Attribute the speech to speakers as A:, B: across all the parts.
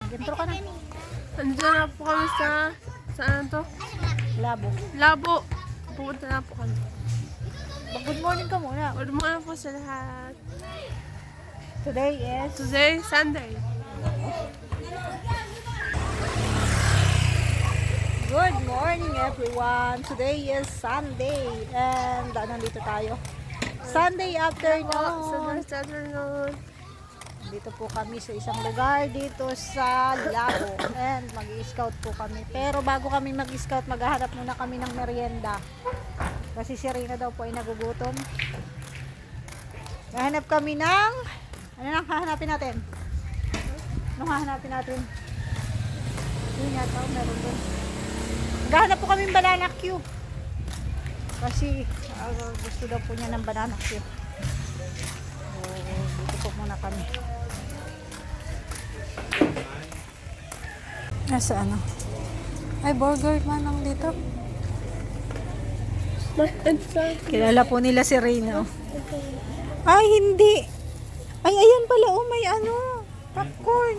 A: Intro ka na.
B: Andiyan na po kami sa... Saan to?
A: Labo.
B: Labo. Pupunta na po kami.
A: Good morning ka muna.
B: Good morning po sa lahat.
A: Today is...
B: Today, Sunday.
A: Good morning everyone. Today is Sunday. And nandito tayo. Sunday afternoon.
B: Sunday afternoon.
A: Dito po kami sa isang lugar dito sa Labo. And mag-i-scout po kami. Pero bago kami mag-scout, maghahanap muna kami ng merienda. Kasi si Rina daw po ay nagugutom. Hahanap kami ng... Ano nang hahanapin natin? Anong hahanapin natin? Yun yata, meron doon. Maghahanap po kami ng banana cue. Kasi gusto daw po niya ng banana cue. So, dito po muna kami. Nasa ano? Ay, burger man lang dito. Kilala po nila si Rina. Ay, hindi. Ay, ayan pala. Oh, may ano. Popcorn.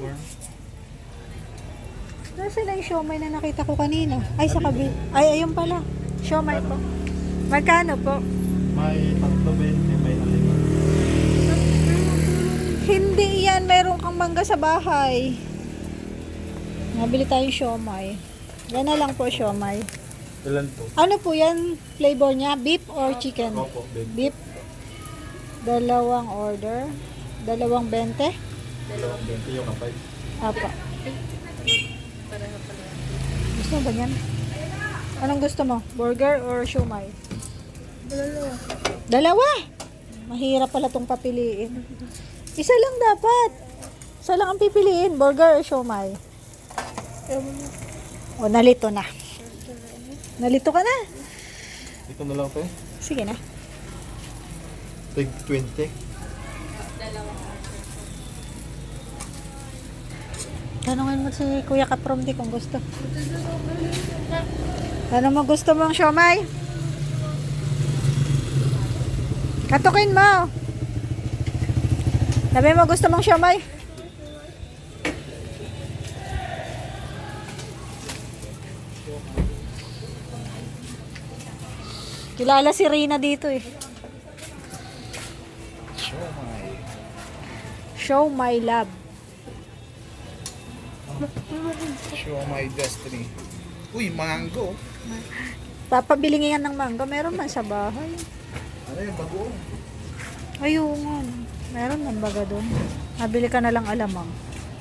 A: Nasa na yung siomay na nakita ko kanina? Ay, sa kabil. Ay, ayun pala. Siomay po. Magkano po?
C: May 3.20, may halima.
A: Hindi yan. Meron kang mangga sa bahay. Nabili tayong siomay. Yan na lang po siomay.
C: Ilan po?
A: Ano po yan? Flavor niya? Beef or chicken?
C: Opo, babe.
A: Beef. Dalawang order. 2.20.
C: 2.20 yung kapay.
A: Apa. Gusto mo ba yan? Anong gusto mo? Burger or siomay?
B: Dalawa.
A: Dalawa? Mahirap pala itong papiliin. Isa lang dapat. Isa lang ang pipiliin. Burger or siomay? O, nalito na. Nalito ka na.
C: Ito na lang to eh.
A: Sige na.
C: 20.
A: Tanungin mo si Kuya Kapromdi kung gusto. Ano mo gusto mong siomay? Katukin mo. Sabi mo gusto mong siomay? Kilala si Rina dito eh. Show my love.
C: Show my destiny. Uy, mango.
A: Papabili nga yan ng mangga. Meron man sa bahay.
C: Ano yung bago?
A: Ayun nga. Meron man baga doon. Nabili ka na lang alamang.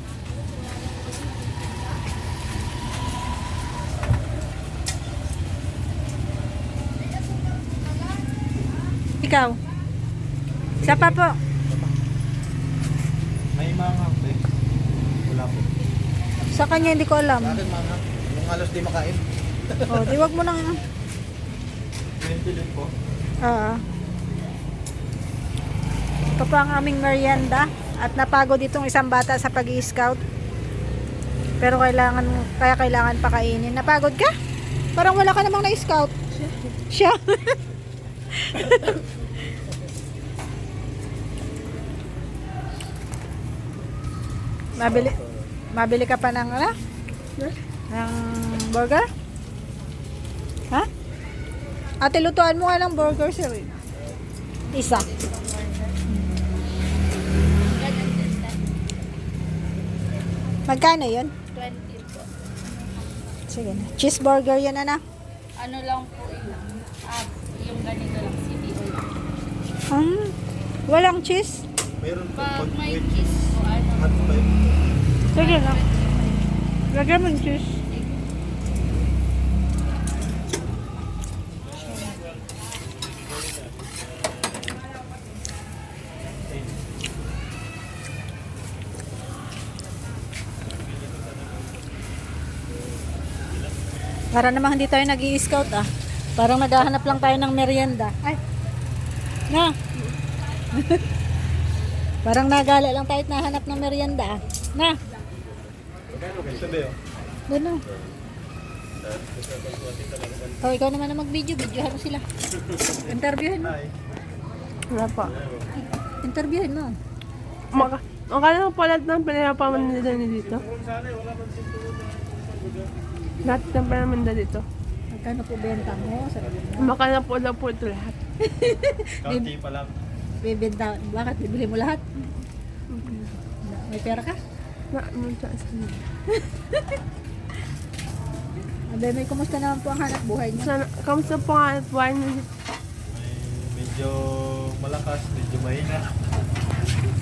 A: Ikaw? Isa pa po.
C: May manghang eh. Wala po.
A: Sa kanya hindi ko alam.
C: Sa akin manghang. Yung halos di makain.
A: O, di wag mo nang...
C: 20 din po.
A: Ito po ang aming merienda. At napagod itong isang bata sa pag-i-scout. Pero kailangan pakainin. Napagod ka? Parang wala ka namang na-scout. Siya. Mabili ka pa ng ano? Ng burger? Ha? Ate, lutuan mo nga ng burger, sir. Isa. Magkano yun?
D: 20 po.
A: Sige na. Cheeseburger yan, ana.
D: Ano lang po yun? Yung ganito lang, CBO lang.
A: Walang cheese?
C: Meron po.
D: Pag may
C: with
D: cheese po, ano?
C: hot five.
A: Sige na. Lagyan mo yung cheese. Para namang hindi tayo nag-i-scout ah. Parang naghahanap lang tayo ng merienda. Ay. Na. Parang nagala lang tayo at nahanap ng merienda ah. Na.
C: Sabi oh.
A: Doon. Oh, ikaw naman na mag-video. Videohan mo sila. Interviewin mo.
C: Hi.
A: Wala pa. Interviewin mo.
B: Ang kala ko pala ng pinapamanda nila dito. Lahat ng pinapamanda dito.
A: Magkano po benta mo? Sabi mo.
B: Makala po lang po ito lahat.
C: Kaunti pa lang.
A: Bibenta. Bakit? Bibili mo lahat? May pera ka?
B: Na, ano sa asan?
A: Abay, may kumusta naman po ang hanap buhay niyo?
B: Sana, kamusta po nga at buhay niyo dito?
C: May medyo malakas, medyo mahina.